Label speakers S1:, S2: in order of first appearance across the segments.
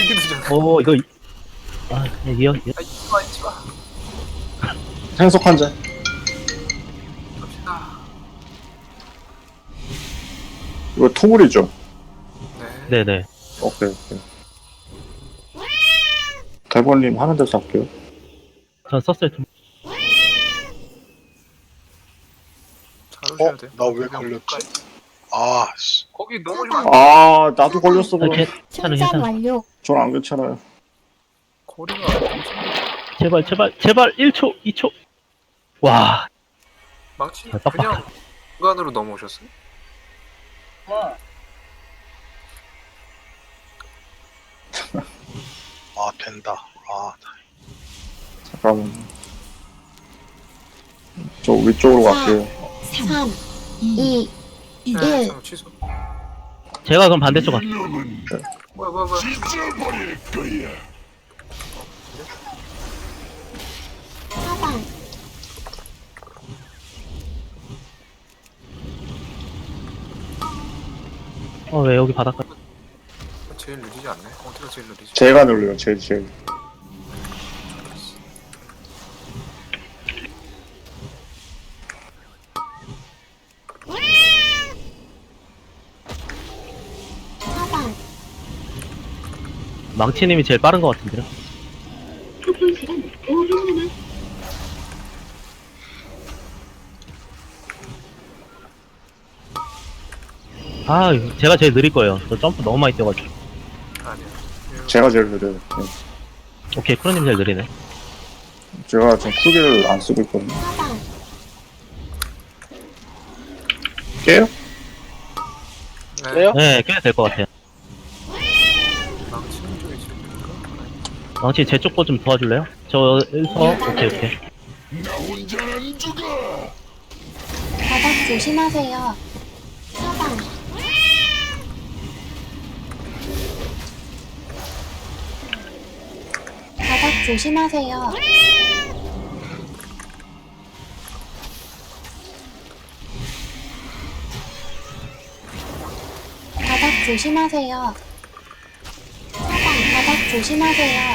S1: 스피드잖아.
S2: 이거 이어
S1: 잊지마.
S3: 생석 한 잔.
S1: 갑시다.
S3: 이거 토물이죠?
S1: 네.
S2: 네네.
S3: 오케이. 대본님 하는 데서 할게요.
S2: 전 썼어요. 좀.
S1: 잘 오셔야 돼.
S4: 나 왜 걸렸지? 아, 씨.
S1: 거기 너무 좋아.
S3: 아, 나도 걸렸어, 그럼.
S2: 괜찮아.
S5: 충전 완료.
S3: 전 안 괜찮아요.
S1: 거리가 엄청.
S2: 제발 1초 2초. 와.
S1: 망치
S2: 빡빡.
S1: 그냥 중간으로 넘어오셨어요?
S4: 아, 된다. 아,
S3: 잠깐만. 저 위쪽으로 갈게요.
S5: 3, 2, 1.
S1: 잠깐 취소.
S2: 제가 그럼 반대쪽 갈게요.
S1: 뭐야.
S5: 차단.
S2: 왜 여기 바닷가?
S1: 제일 느리지 않네. 어디가 제일 느리지?
S3: 제가 눌러요, 제일.
S5: 차단.
S2: 망치님이 제일 빠른 것 같은데요? 제가 제일 느릴 거예요. 저 점프 너무 많이 뛰어가지고.
S1: 아니야.
S3: 제가 제일 느려요. 네.
S2: 오케이, 크로님 제일 느리네.
S3: 제가 지금 쿨기를 안 쓰고 있거든요.
S5: 차단.
S3: 깨요?
S1: 네.
S2: 네, 깨야 될 것 같아요.
S1: 망치는 쪽이 제일 느릴까?
S2: 망치 제 쪽 거 좀 도와줄래요? 오케이.
S5: 바닥 조심하세요. 차단. 바닥 조심하세요. 바닥 조심하세요. 차단. 바닥 조심하세요.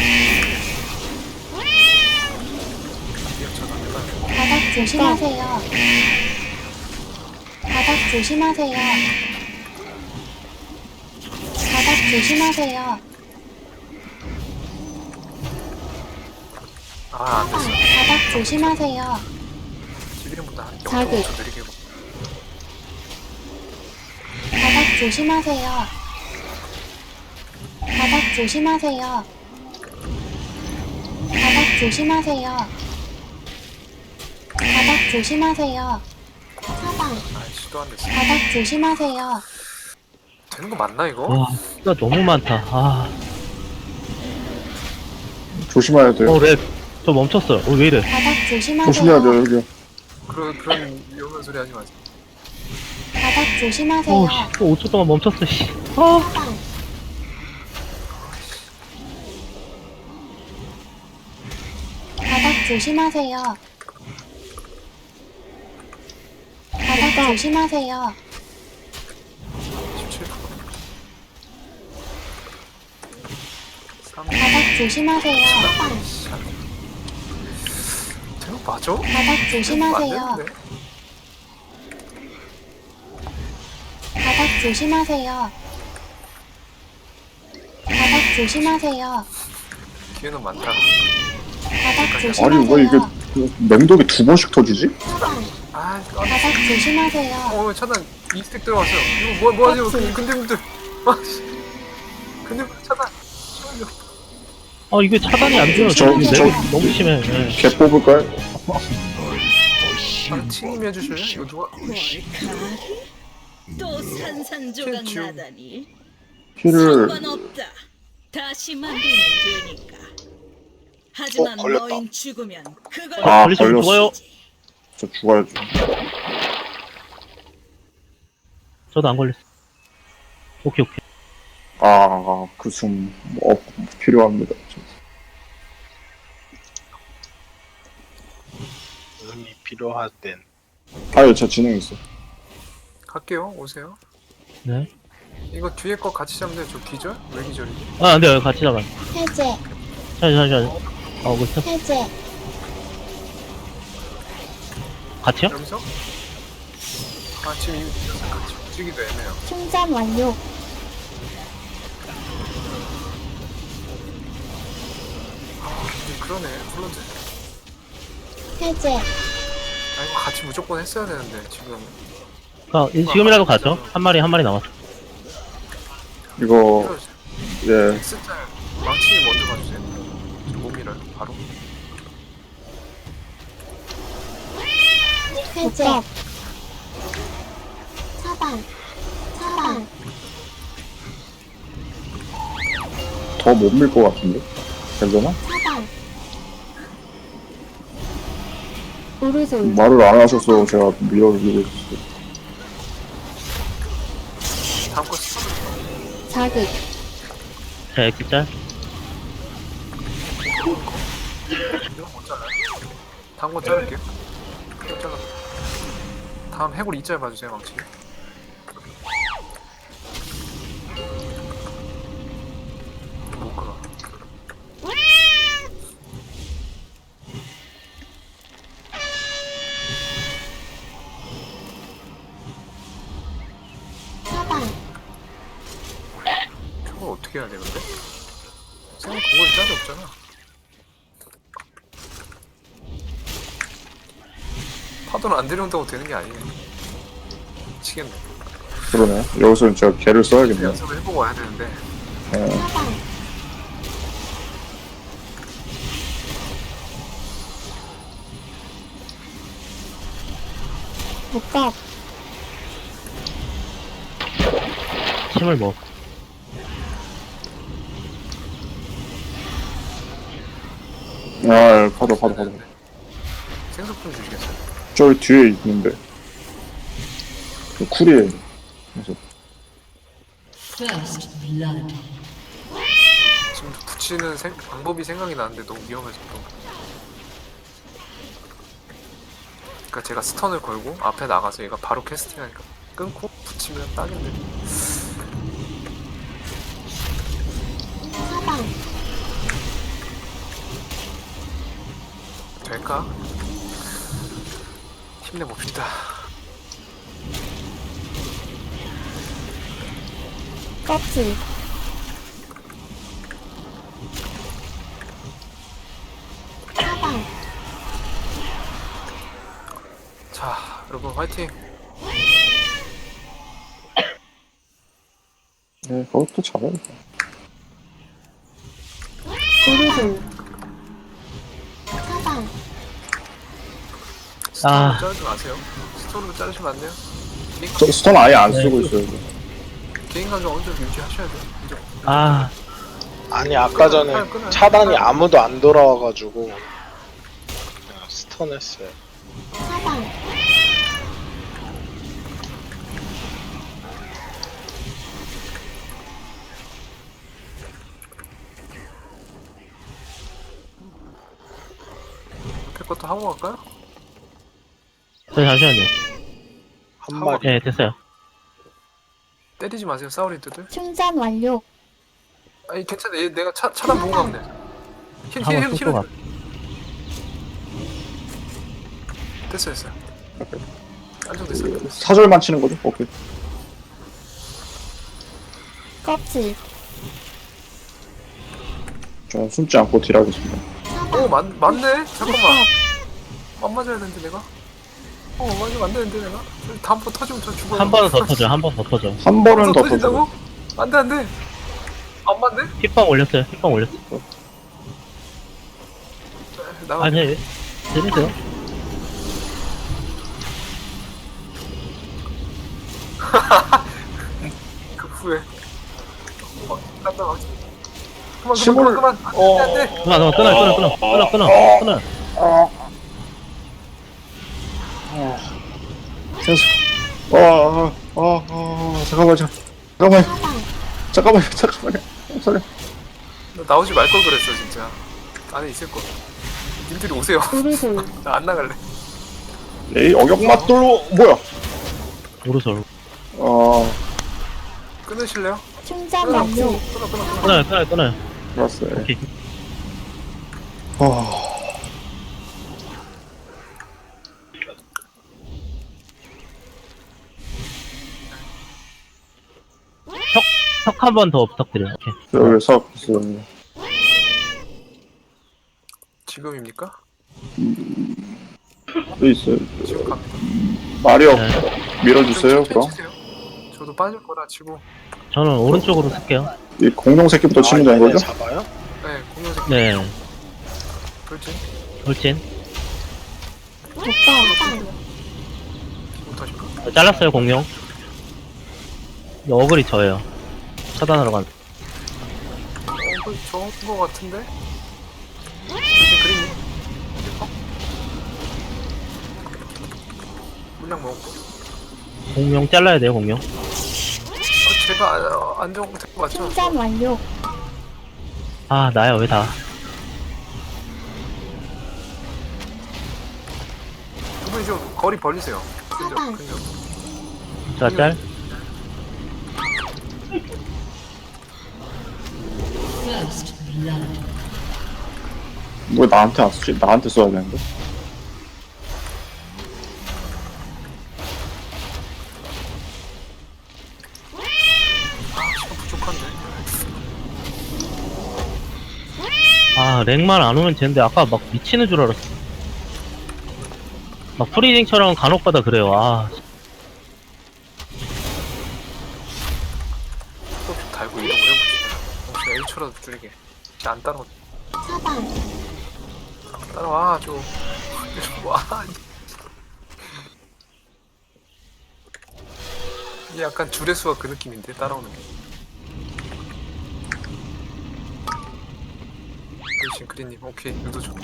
S5: 바닥 조심하세요. 바닥 조심하세요. 바닥 조심하세요.
S1: 안 됐어.
S5: 바닥 조심하세요.
S1: 지비름보다 한
S5: 자극.
S1: 0.5초 느리게 고
S5: 바닥 조심하세요. 바닥 조심하세요. 바닥 조심하세요. 바닥 조심하세요. 차단.
S1: 시도 안 됐어.
S5: 바닥 조심하세요.
S1: 되는 거 맞나 이거?
S2: 와, 진짜 너무 많다.
S3: 조심해야 돼요.
S2: 렉. 저 멈췄어요. 왜 이래?
S5: 바닥 조심하세요.
S3: 조심해야 돼요, 여기.
S1: 그런 위험한 소리 하지 마세요.
S5: 바닥 조심하세요.
S2: 또 5초 동안 멈췄어, 씨.
S5: 차단. 바닥 조심하세요. 바닥 조심하세요.
S1: 17%. 3.
S5: 바닥 조심하세요.
S1: 되는 거 맞아?
S5: 바닥 조심하세요.
S1: 안 되는데?
S5: 바닥 조심하세요. 바닥 조심하세요.
S1: 기회는 많다.
S5: 바닥
S3: 아니,
S5: 조심하세요.
S3: 왜 이게 맹독이 2번씩 터지지?
S5: 차단.
S1: 바닥
S5: 조심하세요.
S1: 차단 2스택 들어갔어요. 이거 뭐 하세요? 근데분들. 근데 차단.
S2: 이게 차단이 안 돼요.
S3: 저-
S2: 렉이
S3: 저-
S2: 너무 심해. 네.
S3: 개 뽑을까요?
S1: 팀님이 해주실래요? 이거 누가?
S6: 또 산산조각
S1: 지금-
S6: 나다니
S3: 힐을
S6: 상관없다. 다시 만들면 되니까. 하지만
S4: 걸렸다.
S6: 너인 죽으면 그걸
S3: 아,
S2: 걸리시면
S3: 걸렸어.
S2: 죽어요.
S3: 저 죽어야죠.
S2: 저도 안 걸렸어. 오케이.
S3: 그 숨 필요합니다.
S4: 음이 필요할 땐.
S3: 아유, 저 진행 있어.
S1: 갈게요. 오세요.
S2: 네.
S1: 이거 뒤에 거 같이 잡는데 저 기절? 왜 기절이지?
S2: 아, 안 돼요. 같이 잡아요.
S5: 해제,
S2: 잠시만. 그렇죠.
S5: 해제,
S2: 같이요?
S1: 여기서? 아 지금 이미 같이 움직이기도 애매해요.
S5: 충전 완료.
S1: 그러네 플런트.
S5: 해제,
S1: 아 이거 같이 무조건 했어야 되는데 지금.
S2: 지금이라도 가죠. 한 마리 남았어.
S3: 이거 예
S1: X짤 망치 먼저 봐주세요. 저 몸이를 바로.
S5: 해제, 차단, 차단,
S3: 더 못 밀 것 같은데 괜찮아?
S5: 차단. 오른손,
S3: 말을 안 하셔서 제가 밀고 있었어요.
S1: 다음 거 스톱을.
S5: 자극,
S2: 자, 액기짤.
S1: 이거 못 잘라요. 다음 거 자를게요. 이거 잘라. 다음 해골 2짤 봐주세요 망치. 못 걸어.
S5: 차단,
S1: 저걸 어떻게 해야 돼 근데? 생각 그걸 짤이 없잖아. 파도는 안 데려온다고 되는 게 아니네. 미치겠네.
S3: 그러네. 여기서는 제가 개를 써야겠네요.
S1: 연습을 해보고 와야 되는데.
S3: 예.
S5: 차단, 복각,
S2: 침을 먹.
S3: 아, 파도.
S1: 생석 좀 주시겠어요?
S3: 저기 뒤에 있는데. 그 쿨이에요. 그래서
S6: First blood.
S1: 지금 붙이는 방법이 생각이 나는데 너무 위험해서 또. 그러니까 제가 스턴을 걸고 앞에 나가서 얘가 바로 캐스팅하니까 끊고 붙이면 딱인데.
S5: 차단,
S1: 될까? 힘내봅시다.
S5: 껍질, 차단,
S1: 자, 여러분 화이팅!
S3: 네, 그것도 잡아야겠다.
S5: 오른손, 차단,
S1: 스톤으로 자르지 마세요. 스톤으로 자르시면 안 돼요.
S3: 저 스턴 아예 안 쓰고 있어요. 이거.
S1: 개인 감정 어느 정도 유지하셔야 돼요. 이제
S2: 아,
S4: 아니 아까 전에 차단이 아무도 안 돌아와가지고 그냥 스턴했어요.
S5: 차단,
S1: 옆에 것도 하고 갈까요?
S2: 잠시만요.
S4: 한 마리.
S2: 네, 됐어요.
S1: 때리지 마세요, 사우리드들.
S5: 충전 완료.
S1: 아니 괜찮아, 얘 내가 차단 보고 가면 돼.
S2: 한번 쏘고 가.
S1: 됐어요. 안정됐어요.
S3: 사절만 치는 거죠? 오케이.
S5: 껍질,
S3: 저 숨지 않고 딜하겠습니다.
S1: 오, 맞네? 잠깐만.
S5: 복각,
S1: 안 맞아야 되는데 내가? 맞으면 안 되는데 내가? 다음번 터지면 저 죽어요.
S2: 한 번은 더 터져. 한 번 더 터져.
S3: 한 번은 더
S1: 터진다고?
S3: 터져.
S1: 안 돼. 안 맞네?
S2: 힙방 올렸어요.
S1: 나가.
S2: 아니, 재밌어요.
S1: 그 후에. 딴다 막. 그만.
S3: 침을-
S1: 안 돼.
S2: 끊어.
S3: 생수. 잠깐만요. 소리.
S1: 너 나오지 말 걸 그랬어 진짜. 안에 있을 거. 님들이 오세요.
S5: 오른손,
S1: 나 안 나갈래.
S3: 에이, 어격맛돌로, 뭐야?
S2: 오르솔.
S1: 끊으실래요?
S5: 충전 완료.
S2: 끊어요.
S3: 들었어요.
S2: 오케이. 석 한 번 더 부탁드려요. 오케이.
S3: 여기서
S1: 지금입니까?
S3: 또 있어요.
S1: 지금 갑니다.
S3: 마리오
S2: 네.
S3: 밀어주세요.
S1: 천천히
S3: 그럼
S1: 치세요. 저도 빠질 거라 치고.
S2: 저는 오른쪽으로 쓸게요.
S3: 이 공룡 새끼부터 치면 되는
S4: 얘네
S3: 거죠?
S4: 잡아요?
S1: 네, 공룡색
S2: 네.
S1: 돌진.
S2: 돌진.
S5: 차단.
S1: 못하실까?
S2: 잘랐어요, 공룡. 이 어글이 저예요. 차단하러 간.
S1: 그 좋은 거 같은데? 그림이. 물량 먹었고.
S2: 공룡 잘라야 돼요, 공룡.
S1: 제가 안정된 거 맞죠?
S5: 충전 완료.
S2: 아, 나야, 왜 다.
S1: 두 분이 좀 거리 벌리세요.
S5: 차단.
S1: 근접.
S2: 자, 짤.
S3: 뭐 나한테 안 쓰지? 나한테 써야 되는데.
S1: 시간 부족한데.
S2: 아, 렉만 안 오면 되는데, 아까 막 미치는 줄 알았어. 막 프리딩처럼 간혹가다 그래요, 아.
S1: 또 달고 이동을 해봅시다. 혹시 H초라도 줄이게. 혹시 안 따라오.
S5: 차단.
S1: 따라와, 좀. 와. 이게 약간 주례수가 그 느낌인데, 따라오는 게. 그렇지, 그린님. 오케이, 유도 좋다.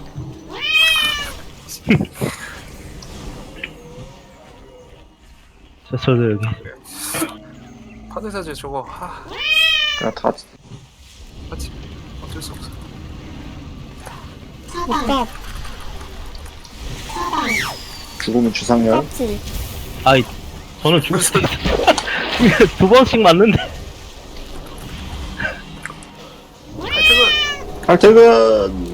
S2: 저도 여기.
S1: 파데사제 저거,
S3: 그냥 다
S1: 맞지? 어쩔 수 없어.
S5: 차단. 차단.
S3: 죽으면 주상열.
S5: 껍질.
S2: 아이, 저는 죽을 수 있어. 두 번씩 맞는데.
S1: 하여튼,
S3: 칼퇴근.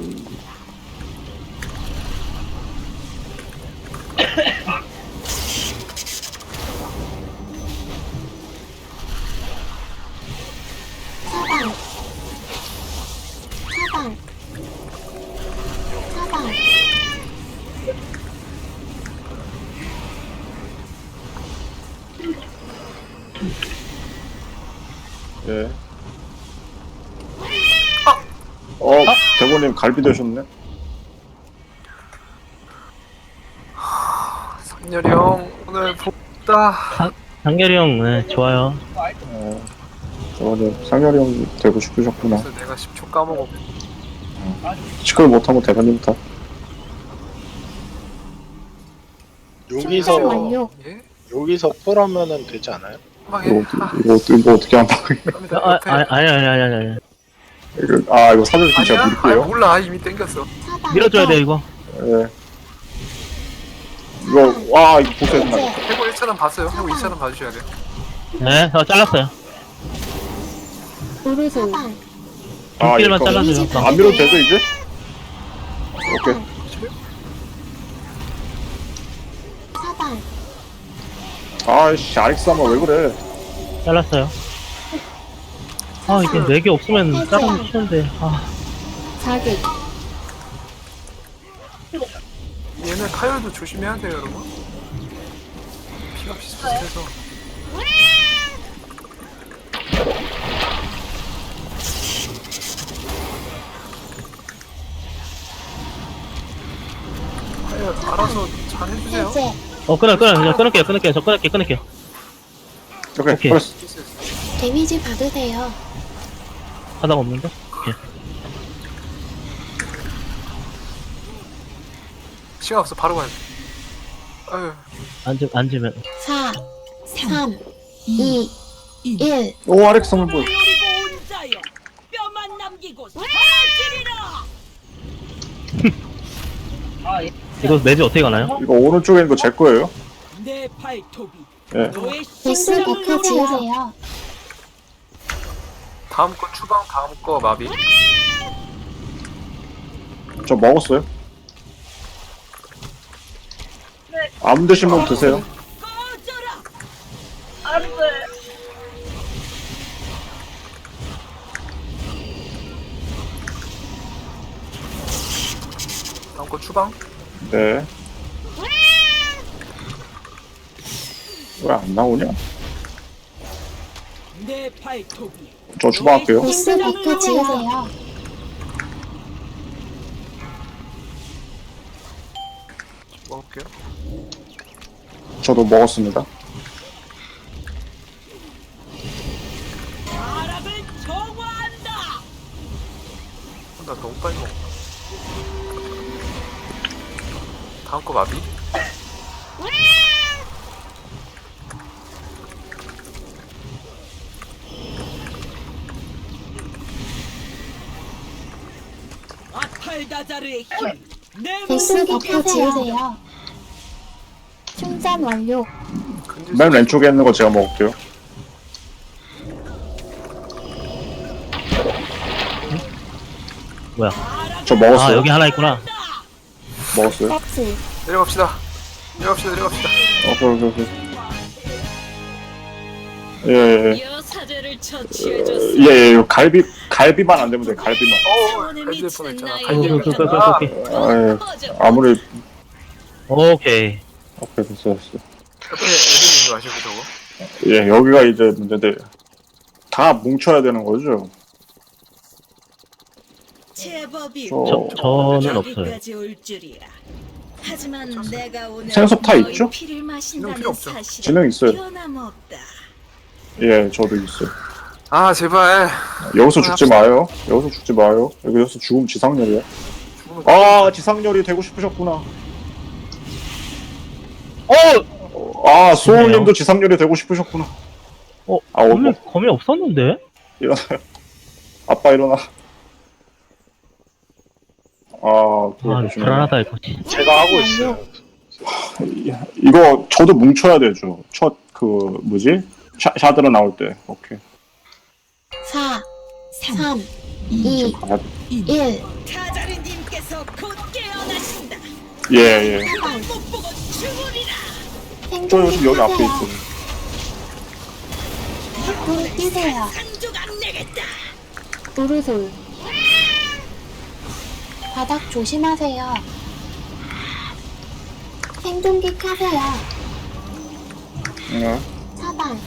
S5: 차단. 차단. 차단.
S3: 예. 대본님 갈비 되셨네.
S1: 상렬이 형, 오늘 복다.
S2: 장렬이 형, 네, 좋아요.
S3: 대본님 상렬이 형 되고 싶으셨구나.
S1: 그래서 내가 10초 까먹었고.
S3: 시끌 못하고 대본님 다.
S5: 충전
S4: 여기서
S5: 완료.
S1: 예?
S4: 여기서 풀하면은 되지 않아요?
S1: 막 해.
S3: 이거 어떻게 한다.
S1: 갑니다.
S2: 아,
S1: 옆에.
S2: 아니.
S3: 이거 사전 진짜
S1: 아니야?
S3: 밀게요.
S1: 몰라. 이미 땡겼어.
S5: 차단.
S2: 밀어줘야 돼, 이거.
S3: 예. 이거 이거 보세요.
S5: 이제
S1: 해고 1차는 봤어요. 해고 2차는 봐주셔야 돼요.
S2: 네, 잘랐어요.
S5: 오르솔.
S2: 눈길만
S3: 이거
S2: 잘라줘요.
S3: 안 밀어도 되죠 이제? 오케이.
S5: 차단.
S3: 아이씨 아렉스 한번 왜 그래?
S2: 잘랐어요. 아, 이게 4개 없으면 자르면 쉬운데. 아,
S5: 자극.
S1: 얘는 카열도 조심해야 돼요, 여러분. 피가 비슷비슷해서. 카열 알아서 잘 해주세요.
S5: 해제.
S2: 끊을게요. 저 끊을게요.
S3: 오케이.
S2: 오케이.
S3: 플러스.
S5: 데미지 받으세요.
S2: 하다가 없는데? 오케이.
S1: 시간 없어, 바로 가야 돼. 아유,
S2: 앉으면.
S5: 4, 3, 2, 1.
S3: 오 아렉스 한번 보여.
S6: 그리고 온자여 뼈만 남기고 사라지리라.
S2: 이거 매주 어떻게 가나요?
S3: 이거 오른쪽에 있는 거 제 거예요.
S6: 내 발톱이
S3: 예.
S6: 너의
S5: 보스
S6: 심장을
S5: 버프
S6: 노려.
S5: 지으세요.
S1: 다음 거 추방, 다음 거 마비.
S3: 저 먹었어요. 안 드신 분 드세요.
S6: 꺼져라.
S1: 다음 거 추방.
S3: 네. 왜 안 나오냐?
S6: 내 발톱이
S3: 저 주방할게요.
S5: 보스 비트 지으세요.
S1: 먹을게요.
S3: 저도 먹었습니다.
S6: 나락을 정화한다.
S1: 나 너무 빨리 먹었다. 다음 거 마비.
S6: 아탈다자르의 힘내
S5: 보스 비트 지으세요. 충전 완료.
S3: 맨 왼쪽에 있는 거 제가 먹을게요.
S2: 뭐야?
S3: 저
S2: 아
S3: 먹었어요.
S2: 여기 하나 있구나.
S3: 먹었어요.
S5: 박스.
S1: 내려갑시다. 내려갑시다.
S3: 오케이. 예.
S6: 여사제를 처치해줬어.
S3: 예. 갈비만 안 되면 돼. 갈비만.
S1: 갈비일 뻔했잖아.
S2: 오케이.
S3: 아, 아무리
S2: 오케이.
S3: 오케이 됐어.
S1: 옆에 애들 있는 거 아시고 저거?
S3: 예, 여기가 이제 문제인데 다 뭉쳐야 되는 거죠.
S6: 제법이
S2: 저는 없어요.
S6: 여기까지 올 줄이야. 하지만 내가 오늘
S3: 생석 타
S6: 너희
S3: 있죠?
S6: 피를
S1: 진영
S6: 마신다는
S1: 필요 없죠.
S6: 사실은
S3: 진영 있어요.
S6: 변함없다.
S3: 예, 저도 있어요.
S1: 아 제발.
S3: 여기서 죽지 마요. 여기서 죽으면 지상렬이야.
S1: 죽는 거.
S3: 아, 지상렬이 되고 싶으셨구나.
S2: 어!
S3: 수호님도 지상렬이 되고 싶으셨구나. 아,
S2: 검이 없었는데?
S3: 일어나요. 아빠 일어나.
S2: 아
S3: 조심해요.
S2: 불안하다 이거.
S4: 제가 하고 있어요.
S3: 이거 저도 뭉쳐야 되죠. 첫 뭐지? 샤드로 나올 때. 오케이.
S5: 4, 3, 2,
S3: 가야 돼.
S5: 1.
S6: 타자르님께서 곧 깨어나신다.
S3: 예.
S5: 사방.
S6: 못 보고 죽으리라.
S3: 저 요즘 여기 앞에
S5: 생존기
S3: 있어요.
S5: 하세요. 불 뛰세요.
S6: 상족 안 내겠다.
S5: 우르솔. 바닥 조심하세요. 생존기 켜세요.
S3: 예.
S5: 사방.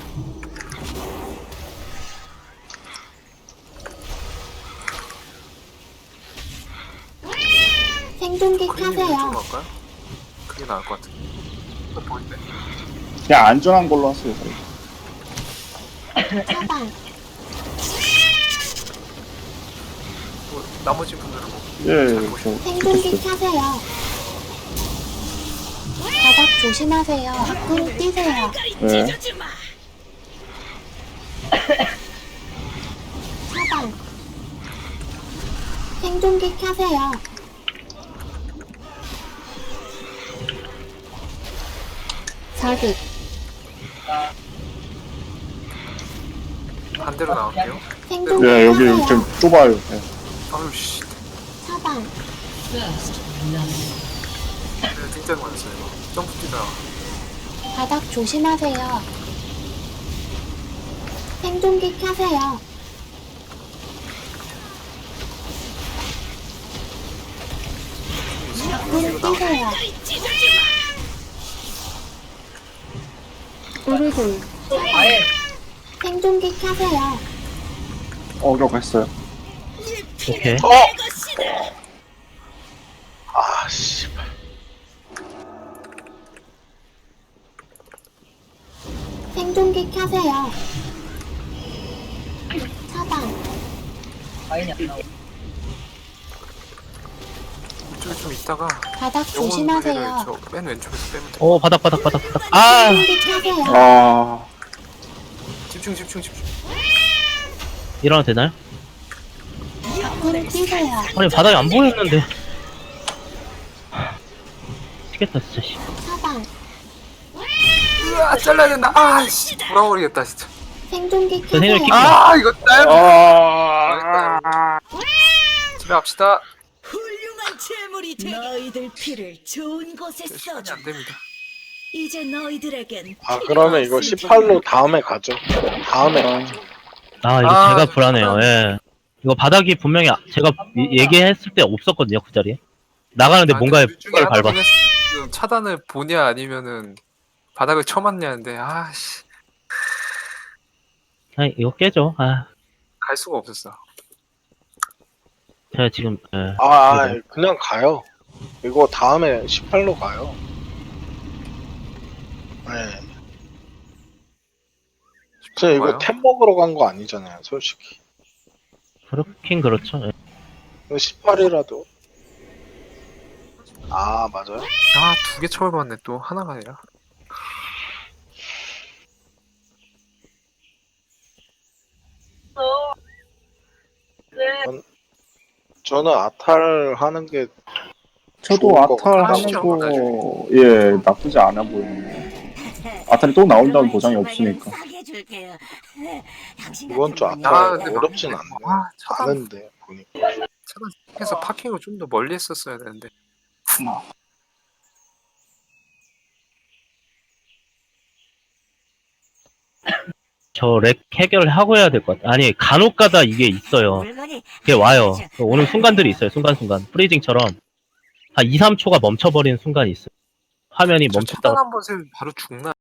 S5: 생존기
S1: 그림이
S5: 켜세요.
S1: 왼쪽으로 갈까요? 그게 나을 것 같은데. 또 보이네.
S3: 그냥 안전한 걸로 하세요.
S5: 사방.
S1: 뭐, 나머지 분들은 뭐.
S3: 예,
S5: 생존기 켜세요. 바닥 조심하세요. 불 뛰세요.
S3: 예.
S6: 찢어주마.
S5: 사방. 생존기 켜세요. 자극.
S1: 반대로 나올게요.
S5: 생존기
S3: 예, 여기
S5: 켜세요.
S3: 좀 좁아요. 예.
S1: 아유 씨.
S5: 사방.
S1: 진짜 많았어요 이거. 점프 뛰다가.
S5: 바닥 조심하세요. 생존기 켜세요. 불 뛰세요. 우르솔. 생존기 켜세요.
S3: 어려웠어요.
S2: 오케이.
S4: 아, 씨발.
S5: 생존기 켜세요. 사방.
S1: 이쪽에 좀 있다가.
S5: 바닥 조심하세요.
S1: 저맨 왼쪽에서 빼면 돼.
S2: 바닥. 아!
S5: 생존기 켜세요.
S3: 아,
S1: 집중.
S2: 일어나도 되나요?
S5: 불 뛰세요.
S2: 아니 바닥이 안 보였는데. 미치겠다 진짜 씨.
S5: 사방.
S1: 으아 잘라야 된다. 아씨 돌아버리겠다 진짜.
S5: 생존기
S2: 저 생존기
S5: 켜세요.
S1: 아 이거 딸.
S3: 아,
S1: 집에 갑시다.
S6: 훌륭한 재물이 되. 너희들 피를 좋은 곳에
S1: 시간이
S6: 써줘.
S1: 안 됩니다.
S6: 이제 너희들에겐
S4: 아
S6: 필요가
S4: 그러면 이거
S6: 없을
S4: 18로 다음에 가죠. 다음에 가죠.
S2: 아, 이거
S1: 아,
S2: 제가
S1: 저
S2: 불안해요.
S1: 차단.
S2: 예. 이거 바닥이 분명히 제가 얘기했을 때 없었거든요, 그 자리에. 나가는데 뭔가에
S1: 둘 중에
S2: 뭔가를 밟아.
S1: 하나는 지금 차단을 보냐 아니면은 바닥을 쳐맞냐는데 아씨
S2: 아, 이거 깨죠. 아,
S1: 갈 수가 없었어.
S2: 제가 지금, 예.
S4: 그냥 가요. 이거 다음에 18로 가요. 네. 저 이거
S1: 가요?
S4: 템 먹으러 간 거 아니잖아요, 솔직히.
S2: 그렇긴 그렇죠. 예.
S4: 18이라도. 아, 맞아요?
S1: 아 2개 처벌받네 또 하나가 아니라.
S4: 저는 아탈 하는 게
S3: 저도
S4: 좋을 것
S3: 아탈
S4: 같아요.
S3: 하는 거, 예, 나쁘지 않아 보이네요. 아탈이 또 나온다는 보장이 없으니까.
S4: 이번 주
S1: 아,
S4: 아탈
S1: 근데
S4: 어렵진 않네요.
S1: 아 차단
S4: 아는데, 보니까.
S1: 차단해서 파킹을 좀 더 멀리 했었어야 되는데.
S2: 저 렉 해결하고 해야 될 것 같아요. 아니, 간혹 가다 이게 있어요. 그게 와요. 오는 순간들이 있어요, 순간순간. 프리징처럼. 한 2, 3초가 멈춰버리는 순간이 있어요. 화면이
S1: 저 차단
S2: 멈췄다가
S1: 한번 세면 바로 죽나?